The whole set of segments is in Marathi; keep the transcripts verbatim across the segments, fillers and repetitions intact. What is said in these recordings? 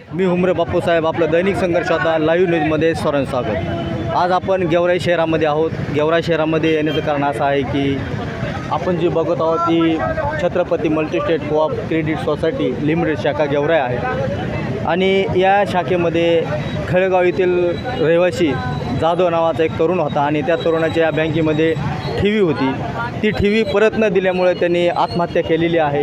मी हुमरे बापूसाहेब, आपलं दैनिक संघर्ष आता लाईव्ह न्यूजमध्ये सर्वांचं स्वागत. आज आपण गेवराई शहरामध्ये आहोत. गेवराई शहरामध्ये येण्याचं कारण असं आहे की आपण जी बघत आहोत ती Chhatrapati multistate coop credit society limited शाखा गेवराई आहे आणि या शाखेमध्ये खळेगाव येथील रहिवासी जाधव नावाचा एक तरुण होता आणि त्या तरुणाच्या या बँकेमध्ये ठेवी होती. ती ठेवी परत न दिल्यामुळे त्यांनी आत्महत्या केलेली आहे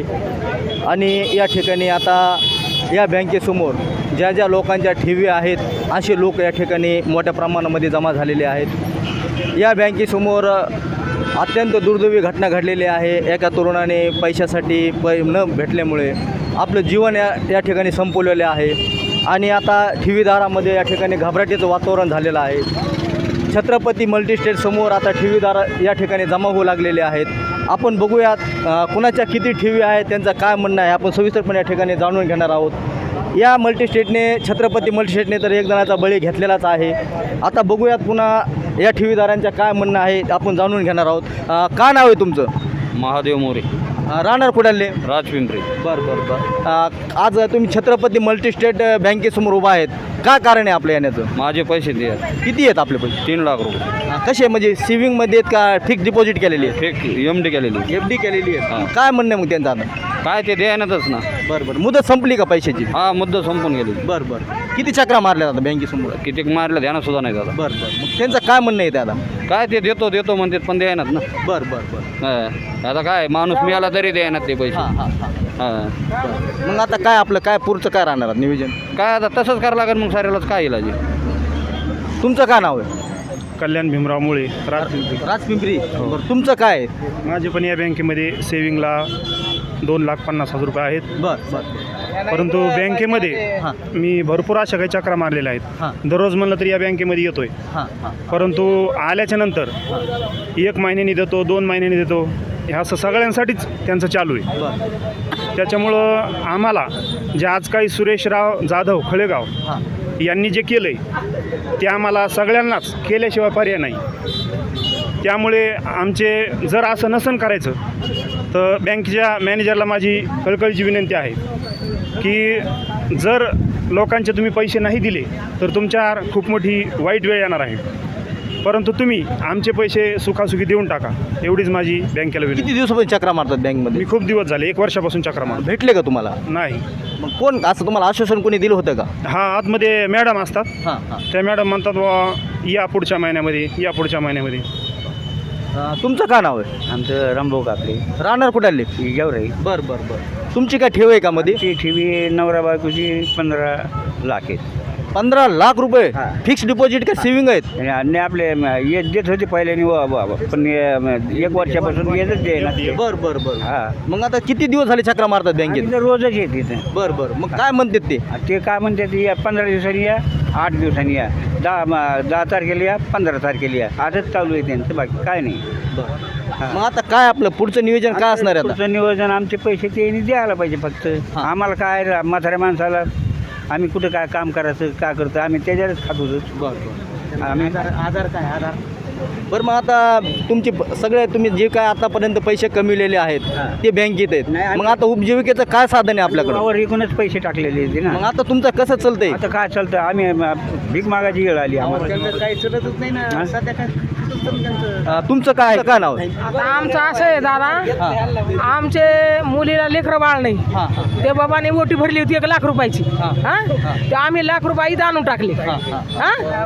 आणि या ठिकाणी आता या बँकेसमोर ज्या ज्या लोकांच्या ठेवी आहेत असे लोक या ठिकाणी मोठ्या प्रमाणामध्ये जमा झालेले आहेत. या बँकेसमोर अत्यंत दुर्दैवी घटना घडलेली आहे. एका तरुणाने पैशासाठी पै न भेटल्यामुळे आपलं जीवन या या ठिकाणी संपवलेले आहे आणि आता ठेवीदारामध्ये या ठिकाणी घबराटीचं वातावरण झालेलं आहे. छत्रपती मल्टीस्टेटसमोर आता ठेवीदार या ठिकाणी जमा होऊ लागलेले आहेत. आपण बघूयात कुणाच्या किती ठेवी आहेत, त्यांचं काय म्हणणं आहे, आपण सविस्तरपणे या ठिकाणी जाणून घेणार आहोत. या मल्टीस्टेटने छत्रपती मल्टीस्टेटने तर एक जणाचा बळी घेतलेलाच आहे. आता बघूयात पुन्हा या ठेवीदारांचं काय म्हणणं आहे, आपण जाणून घेणार आहोत. काय नाव आहे तुमचं? महादेव मोरे, राहणार कुडाले, राजपिंपरी. बरं बरं बरं. आज तुम्ही छत्रपती मल्टीस्टेट बँकेसमोर उभा आहेत, काय कारण आहे आपल्या येण्याचं? माझे पैसे द्या. किती आहेत आपले पैसे? तीन लाख रुपये. कसे म्हणजे सेव्हिंगमध्ये आहेत का फिक्स डिपॉझिट केलेली आहे? फेक एम डी केलेली. एफ डी केलेली आहे. हां. काय म्हणणं आहे मग त्यांचं आता? काय ते द्यायनातच ना. बरं बरं. मुदत संपली का पैशाची? हा, मुद्दा संपून गेली. बरं बरं. किती चक्रा मारल्या आता बँकेसमोर? किती मारलं ध्यानात सुद्धा नाही दादा. बरं बरं. मग त्यांचं काय म्हणणं आहे ते आता? काय ते देतो देतो म्हणतात पण द्यायनात ना. बरं बरं बरं. हा. आता काय माणूस मिळाला तरी द्यायनात ते पैसे. हां हां हां. हा. बरं. मग आता काय आपलं काय पुढचं काय राहणार आहे नियोजन? काय आता तसंच करावं लागेल मग साऱ्यालाच. काय इलाज आहे? तुमचं काय नाव आहे? कल्याण भीमराव मुळे, राजपिंपरी. राजपिंपरी. बरं. तुमचं काय आहे? माझे पण या बँकेमध्ये सेविंगला दोन लाख पन्नास हजार रुपये आहेत. बरं बरं. परंतु बँकेमध्ये हां मी भरपूर अशा काही चक्रा मारलेल्या आहेत. हां दररोज म्हणलं तरी या बँकेमध्ये येतोय, हां हां. परंतु आल्याच्या नंतर एक महिन्यानी देतो, दोन महिन्यानी देतो, हे असं सगळ्यांसाठीच त्यांचं चालू आहे. बरं. त्याच्यामुळं आम्हाला जे आज काही सुरेशराव जाधव खळेगाव हां यांनी जे केलं आहे ते आम्हाला सगळ्यांनाच केल्याशिवाय पर्याय नाही. त्यामुळे आमचे जर असं नसन करायचं तर बँकेच्या मॅनेजरला माझी कळकळीची विनंती आहे की जर लोकांचे तुम्ही पैसे नाही दिले तर तुमच्यावर खूप मोठी वाईट वेळ येणार आहे. परंतु तुम्ही आमचे पैसे सुखासुखी देऊन टाका, एवढीच माझी बँकेला विनंती. किती दिवसापासून चक्रा मारतात बँकमध्ये? मी खूप दिवस झाले, एक वर्षापासून चक्रा मारतो. भेटले का तुम्हाला? नाही. मग कोण असं तुम्हाला आश्वासन कोणी दिलं होतं का? हा, आतमध्ये मॅडम असतात. हां हां. त्या मॅडम म्हणतात बा या पुढच्या महिन्यामध्ये, या पुढच्या महिन्यामध्ये. तुमचं काय नाव आहे? आमचं रामभाऊ काकडे, राहणार कुठाले? गेवराई. बरं बरं बरं. तुमची काय ठेव आहे का मध्ये? ती ठेवी नवरा बायकोची पंधरा लाख आहेत. पंधरा लाख रुपये हां. फिक्स डिपॉझिट का सेव्हिंग आहेत? आणि आपले येत देत होते पहिल्याने पण एक वर्षापासून येतच दे ना. बरं बरं बरं. हा, मग आता किती दिवस झाले चक्रा मारतात बँकेत? आम्ही तर रोजच येत तिथे. बरं बरं. मग काय म्हणतात ते? ते काय म्हणतात, या पंधरा दिवसांनी या, आठ दिवसांनी या, दहा म- दहा तारखेला या, पंधरा तारखेला या, आजच चालू आहे त्यांचं, बाकी काय नाही. बरं. मग आता काय आपलं पुढचं नियोजन काय असणार आहे आता? पुढचं नियोजन आमचे पैसे ते द्यायला पाहिजे फक्त. हां. आम्हाला काय रा- म्हाताऱ्या माणसाला आम्ही कुठं काय काम करायचं, काय करतो आम्ही त्याच्यावरच खात होतो. बरं बरं. आम्ही आधार काय आधार? बरं. मग आता तुमची प- सगळे तुम्ही जे काय आतापर्यंत पैसे कमिवलेले आहेत हां. ते बँकेत आहेत. नाही, आम्ही- मग आता उपजीविकेचं काय साधन आहे आपल्याकडे? वावर एकूणच पैसे टाकलेले होते मग ना. आता तुमचं कसं चालतंय? आता काय चालतं, आम्ही म- भीक मागायची वेळ आली आम्हाला. काही चलतच नाही हां? ना. तुमचं काय काय नाव आहे? आता आमचं असं आहे दादा, आमचे मुलीला लेकरं बाळ नाही. हां हां ते बाबाने ओटी भरली होती एक लाख रुपयाची. हां. हा ते आम्ही लाख रुपये इथं आणून टाकले हां हां. हा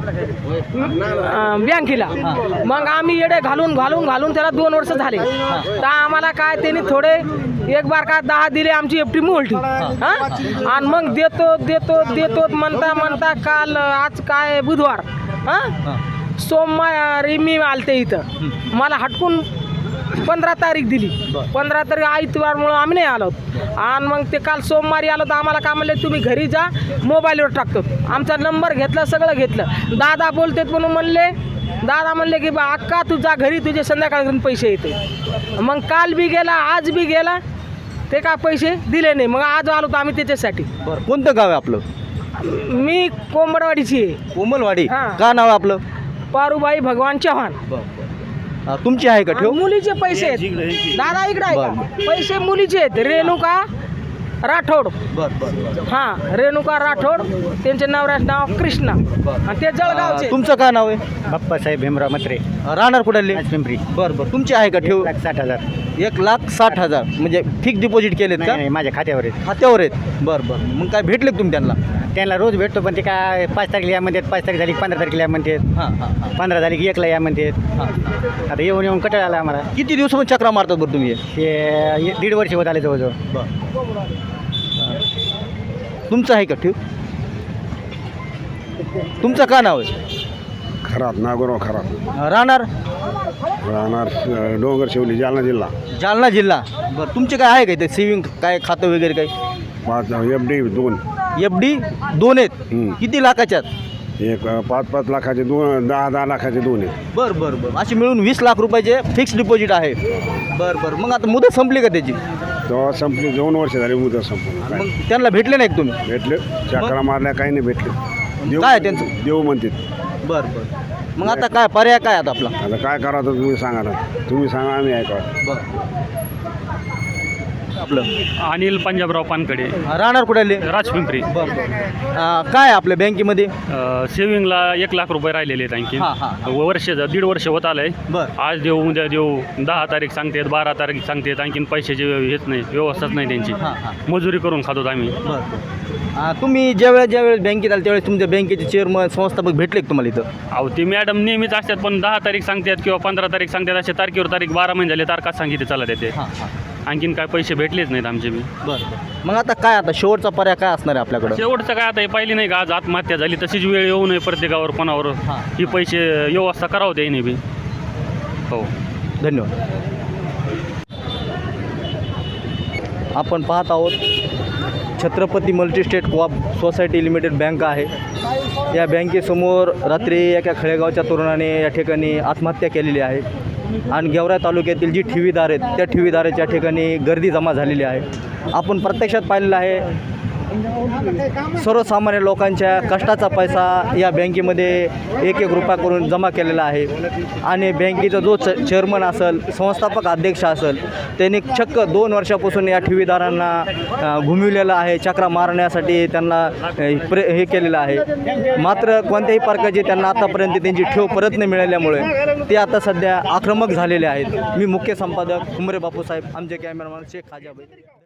अं, बँकेला. मग आम्ही येडे घालून घालून घालून त्याला दोन वर्ष झाले. तर आम्हाला काय त्यांनी थोडे एक बार का दहा दिले, आमची एफटी मोलटी. हा आणि मग देतो देतो देतो म्हणता म्हणता काल आज काय बुधवार, हा सोमवारी मी आलते इथं. मला हटकून पंधरा तारीख दिली. पंधरा तारीख आयतवारमुळं आम्ही नाही आलो. आणि मग ते काल सोमवारी आलो तर आम्हाला काय म्हणले, तुम्ही घरी जा, मोबाईलवर टाकतो. आमचा नंबर घेतला, सगळं घेतलं. दादा बोलतेत म्हणून म्हणले. दादा म्हणले की बा अक्का तू जा घरी, तुझे संध्याकाळी पैसे येते. मग काल बी गेला, आज बी गेला, ते काय पैसे दिले नाही. मग आज आलो तर आम्ही त्याच्यासाठी. बरं. कोणतं गाव आहे आपलं? मी कोंबडवाडीची आहे. कोमलवाडी. हां. काय नाव आहे आपलं? पारुबाई भगवान चव्हाण. हा, तुमची आहे का ठेव? मुलीचे पैसे आहेत दादा, इकडे आहे का? पैसे मुलीचे आहेत. रेणुका राठोड बर बर हां रेणुका राठोड त्यांचे नवऱ्याचं नाव कृष्णा आणि ते जळगावचे. तुमचं काय नाव आहे? बाप्पासाहेब भीमराव मत्रे राहणार कुठले? पिंपरी. बरं बरं तुमची आहे का ठेव? साठ हजार एक लाख साठ हजार म्हणजे फिक्स डिपॉझिट केलेत का? माझ्या खात्यावर आहेत. खात्यावर आहेत. बरं बरं मग काय भेटले का तुम्ही त्यांना? त्यांना रोज भेटतो पण ते काय पाच तारखेला या म्हणतात, पाच तारीख झाली की पंधरा तारखेला या म्हणतात, हां हां हां पंधरा झाली की एकला या म्हणतात. हां. आता येऊन येऊन कटाळा आला आम्हाला. किती दिवसामध्ये चक्रा मारतात बरं तुम्ही? ते दीड वर्ष होत आले जवळजवळ. तुमचं आहे का ठेव? तुमचं काय नाव आहे? खराब नागोराव खराब राहणार राहणार अ, डोंगर शेवली जालना जिल्हा. जालना जिल्हा. बरं तुमचे काय आहे का ते सेविंग काय खातं वगैरे काही? पाच एफ डी दोन एफ डी दोन आहेत. हम्म. किती लाखाच्यात? एक अ, पाच पाच लाखाचे दोन दहा दहा लाखाचे दोन आहेत. बरं बरं बरं अशी मिळून वीस लाख रुपयाचे फिक्स डिपॉझिट आहे. बरं बरं मग आता मुदत संपली का त्याची? तेव्हा संपली दोन वर्ष झाली मुदत संपून. काय मग त्यांना भेटले नाही का तुम्ही? भेटले चक्रा मारल्या काही नाही भेटले. काय त्यांचं? देऊ म्हणतात. बरं बरं मग आता काय पर्याय काय आता आपला? आता काय करावं तुम्ही सांगा ना. तुम्ही सांगा आम्ही ऐका. बरं आपलं अनिल पंजाबराव पानकडे, राहणार कुठले? राजपिंपरी. बरं बरं काय आपल्या बँकेमध्ये? अ, सेविंगला एक लाख रुपये राहिलेले आहेत आणखी. हां, हां. वर्ष दीड वर्ष होत आलंय. बरं आज देऊ उद्या देऊ, दहा तारीख सांगतात, बारा तारीख सांगतात, आणखीन पैशाची हेच नाही, व्यवस्थाच नाही त्यांची. हां हां मजुरी करून खातो आम्ही. बरं हां तुम्ही ज्यावेळेस ज्यावेळेस बँकेत आले त्यावेळेस तुमच्या बँकेचे चेअरमन संस्थापक भेटले का तुम्हाला इथं? अहो ती मॅडम नेहमीच असतात, पण दहा तारीख सांगतात किंवा पंधरा तारीख सांगतात, अशा तारखेवर तारीख बारा महिने झाले तारखाच सांगितले चालत येते. हां हां आणखीन काय पैसे भेटलेच नाहीत आमचे बी. बरं मग आता काय आता शेवटचा पर्याय काय असणार आहे आपल्याकडं? शेवटचं काय आता हे पाहिली नाही का, आज आत्महत्या झाली तशीच वेळ येऊ नये प्रत्येकावर कोणावर. हां. ही पैसे व्यवस्था करावं त्याने बी. हो धन्यवाद. आपण पाहत आहोत Chhatrapati multistate co-op society limited bank आहे. या बँकेसमोर रात्री एका खेडेगावच्या तरुणाने या ठिकाणी आत्महत्या केलेली आहे आणि गेवराई तालुक्यातील जी ठेवीदार आहेत त्या ठेवीदाराच्या ठिकाणी गर्दी जमा झालेली आहे. आपण प्रत्यक्षात पाहिलेलं आहे सर्वसामान्य लोकांच्या कष्टाचा पैसा या बँकेमध्ये एक एक रुपया करून जमा केलेला आहे आणि बँकेचा जो च चेअरमन असेल, संस्थापक अध्यक्ष असेल, त्यांनी चक्क दोन वर्षापासून या ठेवीदारांना घुमिवलेलं आहे, चक्रा मारण्यासाठी त्यांना प्रे हे केलेलं आहे. मात्र कोणत्याही प्रकारची त्यांना आतापर्यंत त्यांची ठेव परत नाही मिळाल्यामुळे ते आता सध्या आक्रमक झालेले आहेत. मी मुख्य संपादक कुमरे बापूसाहेब, आमचे कॅमेरामॅन शेख खाजाबाई.